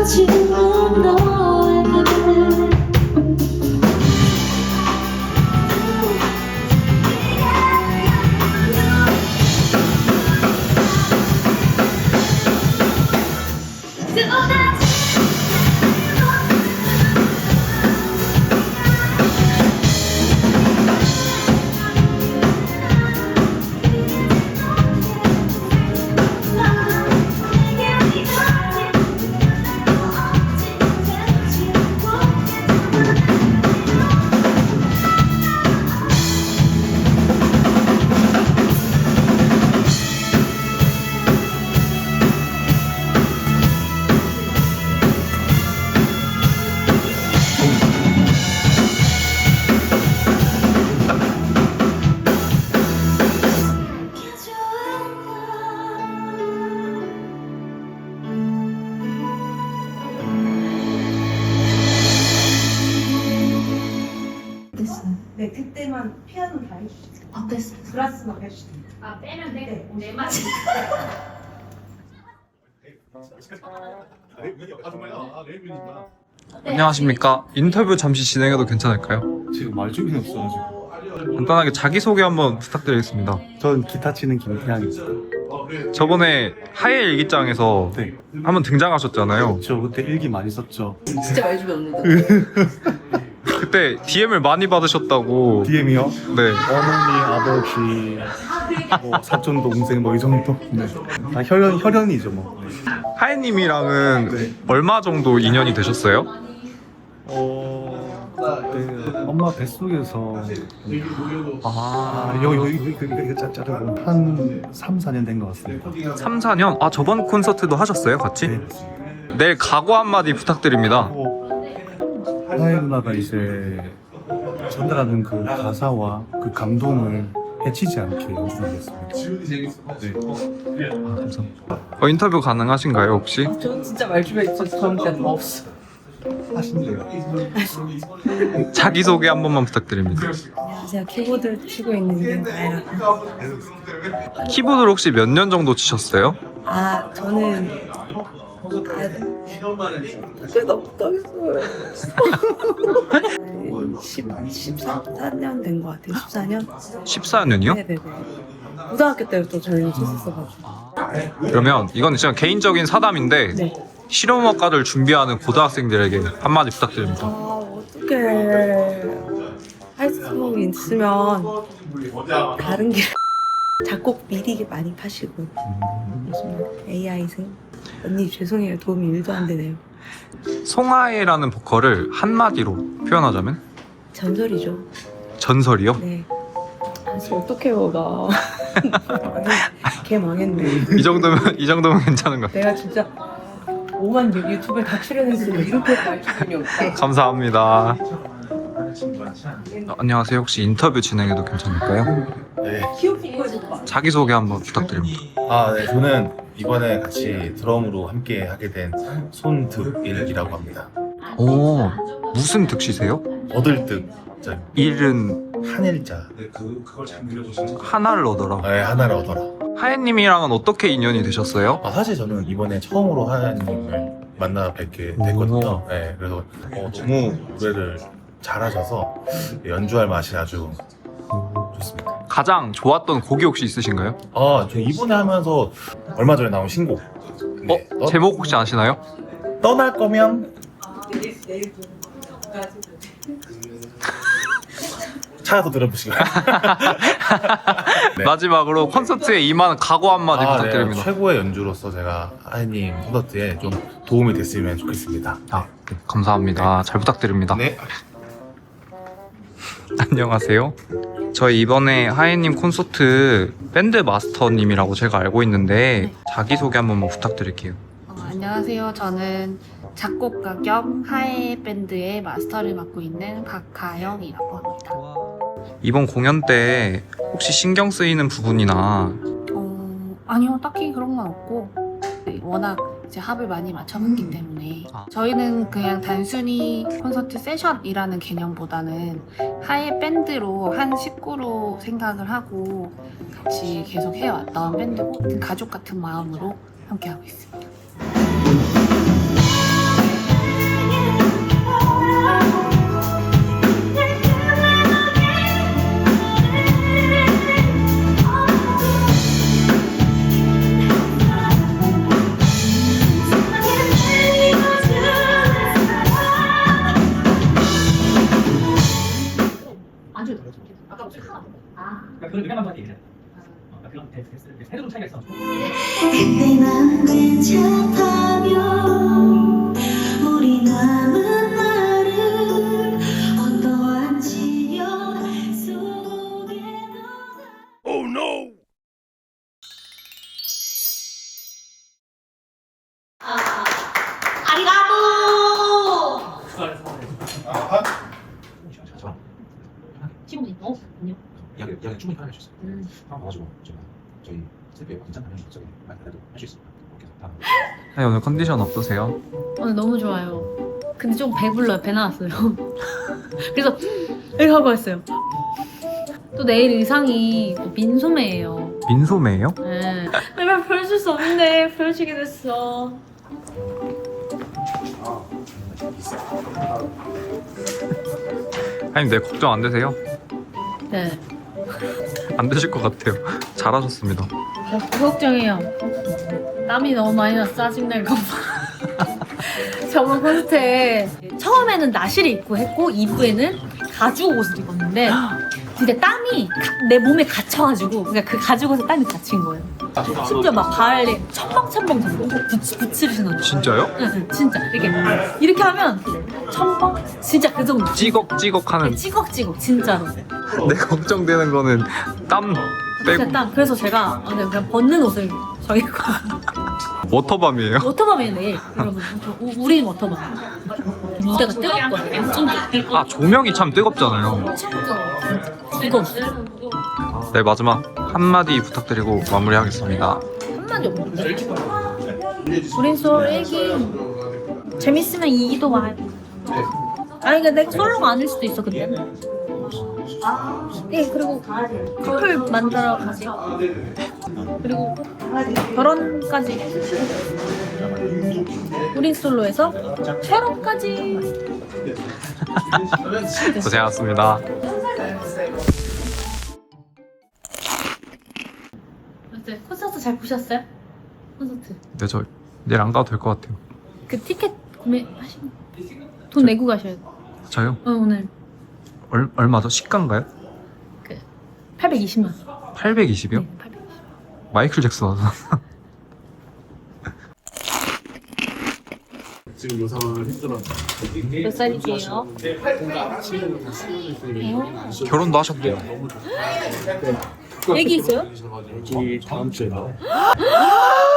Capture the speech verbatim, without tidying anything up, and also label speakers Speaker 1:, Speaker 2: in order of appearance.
Speaker 1: 지운 너에게
Speaker 2: 네, 그때만 피아노 다 해주세요.
Speaker 1: 아, 됐어.
Speaker 2: 브라스만 해주세요.
Speaker 3: 아 빼면 돼?
Speaker 2: 네.
Speaker 3: 네 마디.
Speaker 4: 안녕하십니까. 인터뷰 잠시 진행해도 괜찮을까요?
Speaker 5: 지금 말주변이 없어가지고.
Speaker 4: 간단하게 자기소개 한번 부탁드리겠습니다.
Speaker 5: 전 기타 치는 김태양입니다.
Speaker 4: 저번에 하예 일기장에서
Speaker 5: 네.
Speaker 4: 한번 등장하셨잖아요.
Speaker 5: 저 그때 일기 많이 썼죠.
Speaker 1: 진짜 말주변 없는데.
Speaker 4: 그때 디엠을 많이 받으셨다고.
Speaker 5: 디엠이요?
Speaker 4: 네.
Speaker 5: 어머니, 아버지, 뭐 사촌 동생 뭐 이 정도. 네. 다 혈연 혈연이죠 뭐.
Speaker 4: 하예님이랑은
Speaker 5: 네.
Speaker 4: 얼마 정도 인연이 되셨어요?
Speaker 5: 어, 그때 엄마 뱃속에서
Speaker 4: 아,
Speaker 5: 아, 여기 여기 여기 이거 이거 짜- 자르고 한 삼, 사 년 된 것 같습니다.
Speaker 4: 삼, 사 년? 아, 저번 콘서트도 하셨어요, 같이?
Speaker 5: 네.
Speaker 4: 내일 각오 한마디 부탁드립니다.
Speaker 5: 어, 하이 누나가 이제 전달하는 그 가사와 그 감동을 해치지 않게 연주하겠습니다. 네.
Speaker 4: 아, 감사합니다. 어, 인터뷰 가능하신가요, 혹시?
Speaker 1: 저 진짜 말주변 있어서 그런 게 없어.
Speaker 5: 하신대요.
Speaker 4: 자기소개 한 번만 부탁드립니다.
Speaker 2: 제가 키보드를 치고 있는 게 아니라
Speaker 4: 키보드를 혹시 몇 년 정도 치셨어요?
Speaker 2: 아 저는 꽤 넘었어요. 십사 년 된 것 같아요. 십사 년?
Speaker 4: 십사 년이요?
Speaker 2: 네네네. 고등학교 때부터 저희는 쳤었어가지고.
Speaker 4: 그러면 이건 진짜 개인적인 사담인데
Speaker 2: 네.
Speaker 4: 실용음악과를 준비하는 고등학생들에게 한마디 부탁드립니다.
Speaker 2: 아 어떻게 할 수 있으면 다른 길 작곡 미리 많이 파시고 요즘 에이아이생 언니 죄송해요 도움이 일도 안 되네요.
Speaker 4: 송하예라는 보컬을 한마디로 표현하자면?
Speaker 2: 전설이죠.
Speaker 4: 전설이요?
Speaker 2: 네. 사실 어떡해요 나. 걔 망했네.
Speaker 4: 이 정도면 이 정도면 괜찮은 것 같아요.
Speaker 2: 내가 진짜 오만 유튜브에 다 출연했으면 이렇게 말주변이 없다.
Speaker 4: 감사합니다. 어, 안녕하세요. 혹시 인터뷰 진행해도 괜찮을까요?
Speaker 6: 네.
Speaker 4: 자기소개 한번 부탁드립니다.
Speaker 6: 아, 네. 저는 이번에 같이 드럼으로 함께 하게 된 손득일이라고 합니다.
Speaker 4: 오, 무슨 득시세요?
Speaker 6: 얻을득. 자,
Speaker 4: 일은
Speaker 6: 한일자.
Speaker 4: 하나를 얻어라.
Speaker 6: 네, 하나를 얻어라.
Speaker 4: 하예님이랑은 어떻게 인연이 되셨어요?
Speaker 6: 아, 사실 저는 이번에 처음으로 하나님을 만나 뵙게 됐거든요. 네, 그래서 어, 너무 노래를 잘하셔서 연주할 맛이 아주 좋습니다.
Speaker 4: 가장 좋았던 곡이 혹시 있으신가요?
Speaker 6: 아, 저 이번에 하면서 얼마 전에 나온 신곡. 네,
Speaker 4: 어? 제목 혹시 아시나요?
Speaker 6: 떠날 거면 찾아서 들어보시고요. 네.
Speaker 4: 마지막으로 콘서트에 임하는 각오 한마디
Speaker 6: 아,
Speaker 4: 부탁드립니다.
Speaker 6: 네. 최고의 연주로서 제가 하이님 콘서트에 좀 도움이 됐으면 좋겠습니다.
Speaker 4: 아, 네, 감사합니다. 잘 부탁드립니다.
Speaker 6: 네.
Speaker 4: 안녕하세요. 저희 이번에 하예님 콘서트 밴드 마스터님이라고 제가 알고 있는데 자기소개 한 번만 부탁드릴게요.
Speaker 3: 어, 안녕하세요. 저는 작곡가 겸 하예 밴드의 마스터를 맡고 있는 박가영이라고 합니다.
Speaker 4: 이번 공연 때 혹시 신경 쓰이는 부분이나
Speaker 3: 어, 아니요, 딱히 그런 건 없고 네, 워낙 이제 합을 많이 맞춰봤기 때문에
Speaker 4: 아.
Speaker 3: 저희는 그냥 단순히 콘서트 세션이라는 개념보다는 하예 밴드로 한 식구로 생각을 하고 같이 계속 해왔던 밴드고 가족 같은 마음으로 함께하고 있습니다.
Speaker 7: 그런 의견 한번 얘기해. 그런 태도 좀 차이가 있어.
Speaker 8: 그때 난 괜찮다며 우리 남은 날을 어떠한 지연 속에 Oh no!
Speaker 9: 친구분이 어? 아니요.
Speaker 7: 이야기 이야기 충분히 편하게 해주셨어요.
Speaker 9: 음.
Speaker 7: 한번 와가지고 제가 저희 셀프에 괜찮다면 저기 말 그래도 할 수 있습니다. 이렇게 해서 다음.
Speaker 4: 하이 오늘 컨디션 어떠세요?
Speaker 9: 오늘 너무 좋아요. 근데 좀 배불러요. 배 나왔어요. 그래서 이렇게 하고 왔어요. 또 내일 의상이 또 민소매예요.
Speaker 4: 민소매예요?
Speaker 9: 네. 내가 보여줄 수 없는데 보여주게 됐어.
Speaker 4: 하이님 네 걱정 안 되세요?
Speaker 9: 네.
Speaker 4: 안 되실 것 같아요. 잘하셨습니다.
Speaker 9: 저 걱정해요. 땀이 너무 많이 나서 짜증날 것 봐. 저번 콘서트에 처음에는 나시를 입고 했고 이 부에는 가죽 옷을 입었는데 근데 땀이 가- 내 몸에 갇혀가지고 그러니까 그 가죽 옷에 땀이 갇힌 거예요. 심지어 막 발에 첨벙첨벙 정도 부츠, 부츠를 신었는데
Speaker 4: 진짜요?
Speaker 9: 응, 응, 진짜 이렇게 이렇게 하면 첨벙 진짜 그 정도
Speaker 4: 찌걱찌걱하는.
Speaker 9: 찌걱찌걱 진짜로
Speaker 4: 내 걱정되는 거는 땀 빼고
Speaker 9: 진짜 땀 그래서 제가 아, 그냥 그냥 벗는 옷을 정했고
Speaker 4: 워터밤이에요.
Speaker 9: 워터밤이에요 내일 여러분 저- 우- 우리는 워터밤 무대가 뜨겁거든요 엄청 뜨겁고
Speaker 4: 아 조명이 참 뜨겁잖아요.
Speaker 9: 엄청 뜨거워 뜨거웠어요
Speaker 4: 네 마지막 한마디 부탁드리고 마무리하겠습니다.
Speaker 9: 한마디 없는데 브린솔 일기 재밌으면 이기도 와요 아니 근데 솔로가 아닐 수도 있어 그때는 예 그리고 커플 만들어 가지 그리고 결혼까지 우린 솔로에서 결혼까지
Speaker 4: 고생하셨습니다.
Speaker 9: 어때? 콘서트 잘 보셨어요? 콘서트
Speaker 4: 네 저 내일 안 가도 될 것 같아요.
Speaker 9: 그 티켓 구매하시면 돈 내고 가셔야 돼요
Speaker 4: 저요?
Speaker 9: 어, 오늘
Speaker 4: 얼, 얼마죠? 시가인가요?
Speaker 9: 그 팔백이십만
Speaker 4: 팔백이십이요?
Speaker 9: 네, 팔백이십.
Speaker 4: 마이클 잭슨 와서.
Speaker 5: 지금 요상을 힘들었는데
Speaker 9: 몇 살이세요?
Speaker 4: 결혼도 하셨대요.
Speaker 9: 애기 있어요?
Speaker 5: 이 다음 주에